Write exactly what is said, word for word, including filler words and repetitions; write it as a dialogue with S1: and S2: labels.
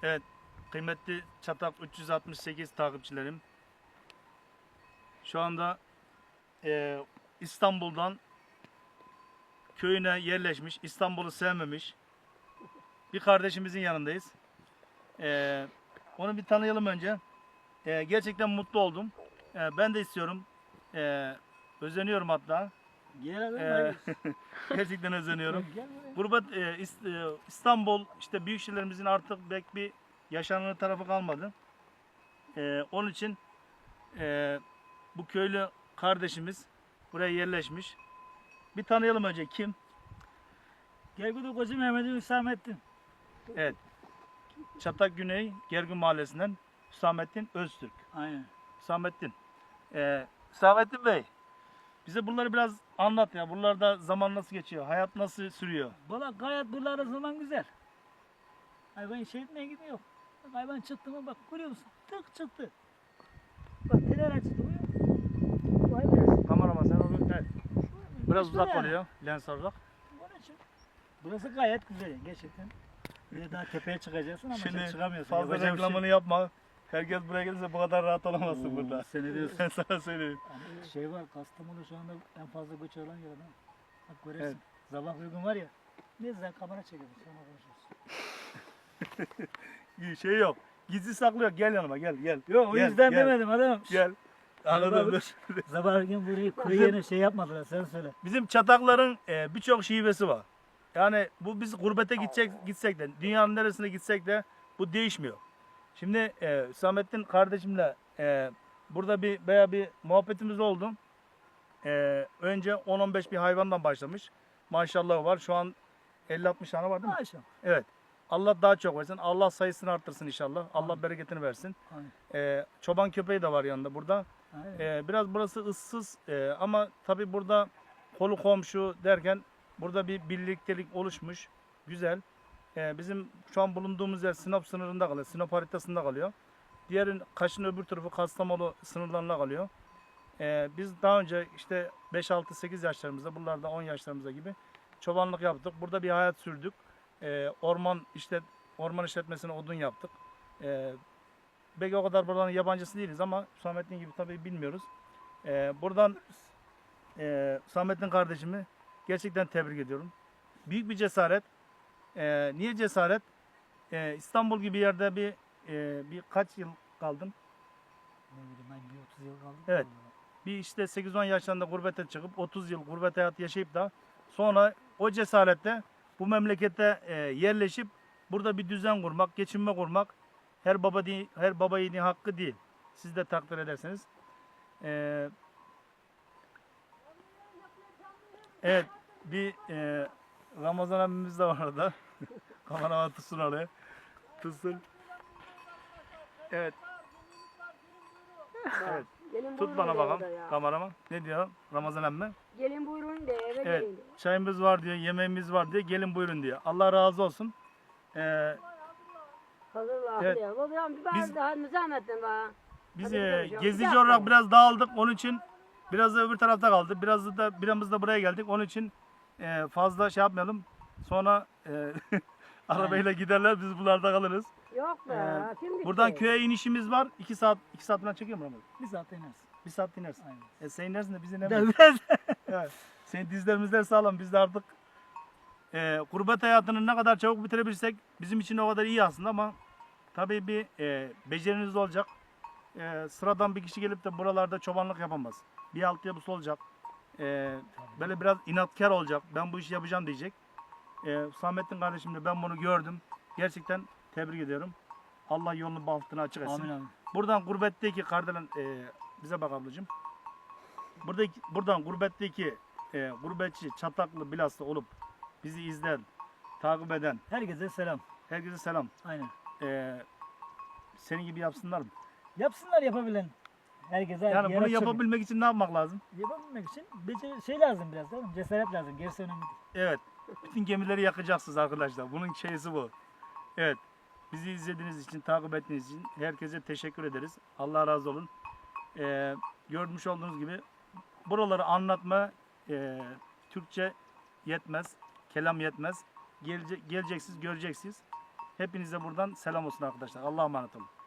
S1: Evet, kıymetli Çatak üç yüz altmış sekiz takipçilerim. Şu anda e, İstanbul'dan köyüne yerleşmiş, İstanbul'u sevmemiş bir kardeşimizin yanındayız. E, onu bir tanıyalım önce. E, gerçekten mutlu oldum. E, ben de istiyorum. E, özeniyorum hatta.
S2: Gel adam,
S1: E,
S2: hadi.
S1: gerçekten özeniyorum.
S2: Gel buraya.
S1: Gurbet e, İst- e, İstanbul işte büyük şehirlerimizin artık pek bir yaşanır tarafı kalmadı. E, onun için e, bu köylü kardeşimiz buraya yerleşmiş. Bir tanıyalım önce kim?
S2: Gergudu Koca Mehmet'in Hüsamettin.
S1: Evet. Çatak Güney Gergün Mahallesi'nden Hüsamettin Öztürk.
S2: Aynen.
S1: Hüsamettin. E, Hüsamettin Bey, bize bunları biraz anlat ya. Buralarda zaman nasıl geçiyor? Hayat nasıl sürüyor?
S2: Valla gayet buralarda zaman güzel. Hayvan şey etmeye gidiyor. Bak hayvan çıktı mı bak görüyor musun? Tık çıktı. Bak teler açtı görüyor musun? Bu hayvan.
S1: Kameraman sen onu evet. Biraz
S2: Başka
S1: uzak
S2: yani.
S1: oluyor lens olarak.
S2: Onun için. Burası gayet güzel gerçekten. Bir de daha tepeye çıkacaksın ama
S1: Şimdi
S2: çıkamıyorsun.
S1: fazla
S2: Yapacak bir şey
S1: reklamını yapma. Herkes buraya gelirse bu kadar rahat olamazsın
S2: Oo,
S1: burada.
S2: sen ne diyorsun?
S1: Ben sana söyleyeyim.
S2: Yani şey var, Kastamonu şu anda en fazla göç alan yer adam. Bak görürsün.
S1: Evet.
S2: Sabah uygun var ya. Ne güzel kamera çekiyoruz, sonra konuşuruz.
S1: İyi şey yok. Gizli saklı yok. Gel yanıma gel gel.
S2: Yok o
S1: Gel,
S2: yüzden
S1: gel,
S2: demedim adam.
S1: Gel. Anladın mı?
S2: Sabah gün burayı kuru yerine şey yapmadılar, sen söyle.
S1: Bizim çatakların e, birçok şivesi var. Yani bu biz gurbete gidecek gitsek de dünyanın neresine gitsek de bu değişmiyor. Şimdi e, Hüsamettin kardeşimle e, burada bir veya bir muhabbetimiz oldu. E, önce on on beş bir hayvandan başlamış. Maşallah var. Şu an elli altmış tane var değil mi?
S2: Maşallah.
S1: Evet. Allah daha çok versin. Allah sayısını arttırsın inşallah. Allah
S2: Amin.
S1: bereketini versin.
S2: Aynen.
S1: E, çoban köpeği de var yanında burada.
S2: Aynen.
S1: E, biraz burası ıssız e, ama tabii burada kolu komşu derken burada bir birliktelik oluşmuş. Güzel. E, bizim şu an bulunduğumuz yer Sinop sınırında kalıyor. Sinop haritasında kalıyor. Diğerin Kaş'ın öbür tarafı Kastamonu sınırlarına kalıyor. E, biz daha önce işte beş altı sekiz yaşlarımızda, buralarda on yaşlarımızda gibi çobanlık yaptık. Burada bir hayat sürdük. E, orman işte orman işletmesine odun yaptık. E, belki o kadar buranın yabancısı değiliz ama Hüsamettin gibi tabii bilmiyoruz. E, buradan e, Hüsamettin kardeşimi gerçekten tebrik ediyorum. Büyük bir cesaret. E, niye cesaret? E, İstanbul gibi yerde bir e, bir kaç yıl kaldın?
S2: Ne bileyim ben bir otuz yıl kaldım.
S1: Evet. Bir işte sekiz on yaşlarında gurbete çıkıp otuz yıl gurbet hayatı yaşayıp da sonra o cesaretle bu memlekete e, yerleşip burada bir düzen kurmak, geçinme kurmak her baba değil, her baba yiğidin hakkı değil. Siz de takdir ederseniz. E, evet, bir e, Ramazan abimiz de var orada. Kameraman tutsun oraya. Tutsun. Evet. Evet.
S3: Gelin
S1: Tut
S3: buyurun
S1: bana
S3: de
S1: bakalım
S3: orada ya.
S1: kameraman. Ne diyor Ramazan emmi?
S3: Gelin buyurun de eve
S1: Evet.
S3: gelin de.
S1: Çayımız var diyor, yemeğimiz var diyor. Gelin buyurun diyor. Allah razı olsun. Ee,
S3: Hazırla
S1: Evet.
S3: diyor. Babam bir
S1: Biz-
S3: biz, daha müzahmetten bana.
S1: biz
S3: Hadi
S1: e,
S3: gidelim canım.
S1: gezici
S3: Bir dakika.
S1: olarak biraz dağıldık. Onun için biraz da öbür tarafta kaldı. Biraz da biramız da buraya geldik. Onun için e, fazla şey yapmayalım. Sonra e, arabayla giderler. Biz buralarda kalırız.
S3: Yok be.
S1: Ee,
S3: kim gitti?
S1: Buradan köye inişimiz var. iki saat iki saat falan çekiyor mu Ramazan?
S2: Bir saat inersin.
S1: Bir saat inersin.
S2: Aynen.
S1: E, sen inersin de biz
S2: Bir
S1: inemeyiz.
S2: de biraz.
S1: Evet. Senin dizlerimizden sağlam. Biz de artık e, gurbet hayatını ne kadar çabuk bitirebilirsek bizim için o kadar iyi aslında ama tabii bir e, beceriniz olacak. E, sıradan bir kişi gelip de buralarda çobanlık yapamaz. Bir altyapısı olacak. E, böyle biraz inatkar olacak. Ben bu işi yapacağım diyecek. E, Hüsamettin kardeşim de ben bunu gördüm. Gerçekten tebrik ediyorum. Allah yolunu bahtını açık etsin.
S2: Amin amin.
S1: Buradan gurbetteki kardelen e, bize bak ablacığım. Buradaki, buradan gurbetteki e, gurbetçi, Çataklı, Bilas'ta olup bizi izleyen, takip eden
S2: Herkese selam.
S1: herkese selam.
S2: Aynen.
S1: E, senin gibi yapsınlar mı?
S2: Yapsınlar yapabilen. Herkese
S1: Yani bunu
S2: yaraşır.
S1: yapabilmek için ne yapmak lazım?
S2: Yapabilmek için becer şey lazım biraz değil mi? Cesaret lazım. Gerisi önemli değil.
S1: Evet. Bütün gemileri yakacaksınız arkadaşlar. Bunun şeysi bu. Evet. Bizi izlediğiniz için, takip ettiğiniz için herkese teşekkür ederiz. Allah razı olun. E, görmüş olduğunuz gibi buraları anlatma e, Türkçe yetmez, kelam yetmez. Gelece, geleceksiniz, göreceksiniz. Hepinize buradan selam olsun arkadaşlar. Allah'a emanet olun.